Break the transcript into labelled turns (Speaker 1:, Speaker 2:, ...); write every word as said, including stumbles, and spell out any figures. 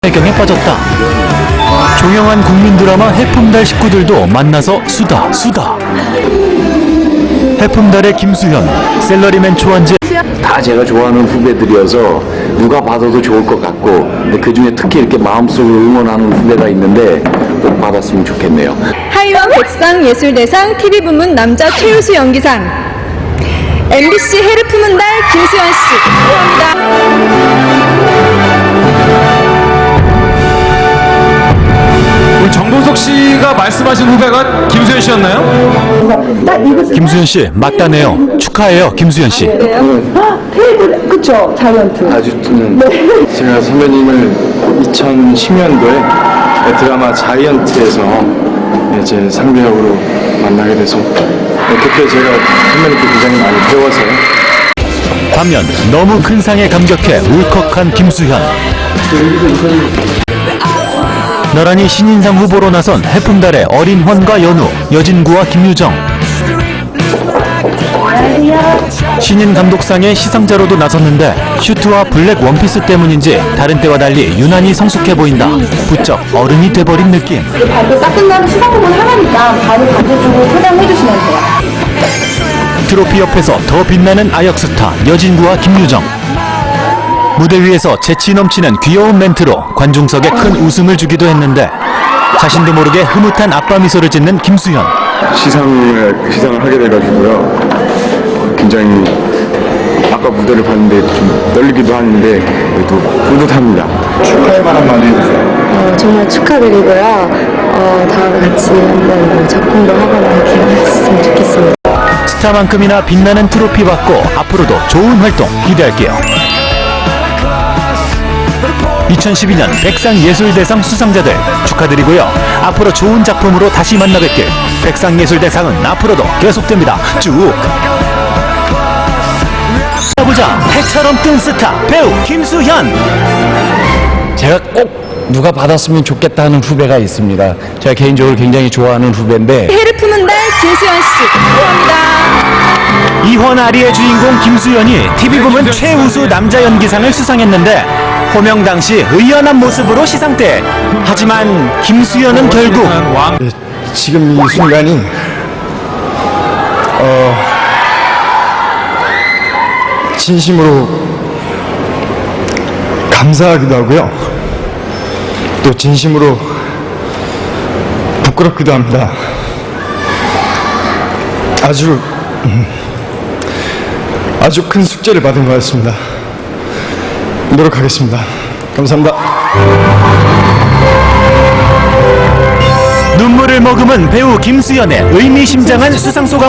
Speaker 1: 배경에 빠졌다. 종영한 국민 드라마 해품달 식구들도 만나서 수다 수다. 해품달의 김수현, 셀러리맨 초안지.
Speaker 2: 다 제가 좋아하는 후배들이어서 누가 봐도 좋을 것 같고, 근데 그 중에 특히 이렇게 마음속으로 응원하는 후배가 있는데 꼭 받았으면 좋겠네요.
Speaker 3: 하이원 백상 예술대상 티비 부문 남자 최우수 연기상 엠비씨 해를 품은 달 김수현 씨 축하합니다.
Speaker 4: 우리 정동석 씨가 말씀하신 후배가 김수현 씨였나요?
Speaker 1: 김수현 씨 맞다네요. 축하해요, 김수현 씨.
Speaker 5: 테이블 그쵸 자이언트.
Speaker 6: 아주 음, 제가 선배님을 이천십 년도에 드라마 자이언트에서 이제 상배역으로 만나게 돼서 그때 제가 선배님께 굉장히 많이 배워서.
Speaker 1: 반면 너무 큰 상에 감격해 울컥한 김수현. 나란히 신인상 후보로 나선 해품달의 어린 헌과 연우, 여진구와 김유정. 신인 감독상의 시상자로도 나섰는데 슈트와 블랙 원피스 때문인지 다른 때와 달리 유난히 성숙해 보인다. 부쩍 어른이 돼버린 느낌.
Speaker 5: 발표 딱 끝나면 시상 부분 하나니까 바로 반대쪽으로 포장해 주시면 돼요.
Speaker 1: 트로피 옆에서 더 빛나는 아역 스타 여진구와 김유정. 무대 위에서 재치 넘치는 귀여운 멘트로 관중석에 큰 웃음을 주기도 했는데 자신도 모르게 흐뭇한 아빠 미소를 짓는 김수현.
Speaker 6: 시상을, 시상을 하게 돼가지고요. 굉장히 아까 무대를 봤는데 좀 떨리기도 하는데 그래도 뿌듯합니다. 축하의 말 한마디 해주세요.
Speaker 7: 어, 정말 축하드리고요. 어, 다음에 같이 한번 뭐 작품도 하거나 이렇게 했으면 좋겠습니다.
Speaker 1: 스타만큼이나 빛나는 트로피 받고 앞으로도 좋은 활동 기대할게요. 이천십이 년 백상예술대상 수상자들 축하드리고요. 앞으로 좋은 작품으로 다시 만나뵙길. 백상예술대상은 앞으로도 계속됩니다. 쭉 보자. 해처럼 뜬 스타 배우 김수현.
Speaker 2: 제가 꼭 누가 받았으면 좋겠다 하는 후배가 있습니다. 제가 개인적으로 굉장히 좋아하는 후배인데
Speaker 3: 해를 품은 달 김수현 씨 축하합니다.
Speaker 1: 이헌아리의 주인공 김수현이 티비 부문 최우수 남자 연기상을 수상했는데 호명 당시 의연한 모습으로 시상대. 하지만 김수현은 결국
Speaker 6: 지금 이 순간이 어, 진심으로 감사하기도 하고요. 또 진심으로 부끄럽기도 합니다. 아주 음, 아주 큰 숙제를 받은 것 같습니다. 노력하겠습니다. 감사합니다.
Speaker 1: 눈물을 머금은 배우 김수현의 의미심장한 수상 소감.